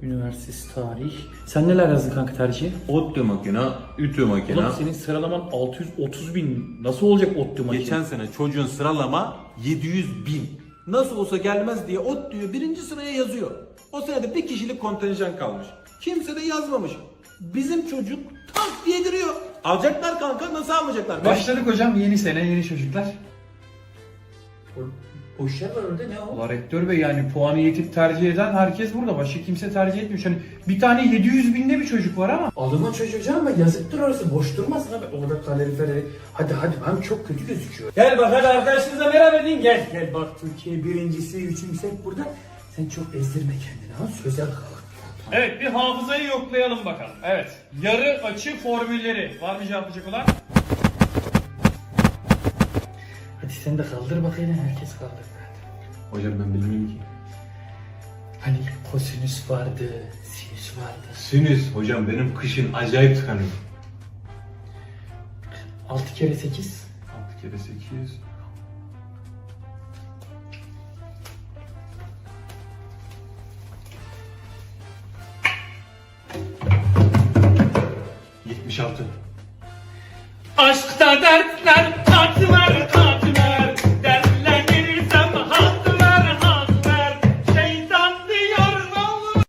Üniversitesi tarih. Sen neler yazdın kanka tercihe? ODTÜ makine, ütü makine. Oğlum senin sıralaman 630.000. Nasıl olacak ODTÜ makine? Geçen sene çocuğun sıralama 700.000. Nasıl olsa gelmez diye ODTÜ'yü birinci sıraya yazıyor. O senede bir kişilik kontenjan kalmış. Kimse de yazmamış. Bizim çocuk tak diye giriyor. Alacaklar kanka, nasıl almayacaklar? Başladık hocam, yeni sene, yeni çocuklar. Boş yer var orada, ne o? Ulan rektör bey, yani puanı yetip tercih eden herkes burada. Başka kimse tercih etmiyor. Hani bir tane 700.000'de bir çocuk var ama. Alımın çocuğu canım, ama yazıktır orası, boş durmasın abi. Orada kaloriferleri. Hadi hem çok kötü gözüküyor. Gel bak, hadi arkadaşınızla merhaba deyin. Gel bak, Türkiye birincisi, üçüncüsü hep burada. Sen çok ezdirme kendini ha, sözel kal. Evet, bir hafızayı yoklayalım bakalım. Evet, yarı açı formülleri. Var mı cevaplayacak olan? Hadi sen de kaldır bakayım, herkes kaldır. Hocam ben bilmiyorum ki. Hani kosinüs vardı, sinüs vardı. Sinüs hocam, benim kışın acayip tıkanıyor. 6 kere 8. 6 kere 8. ...76. Aşkta dertler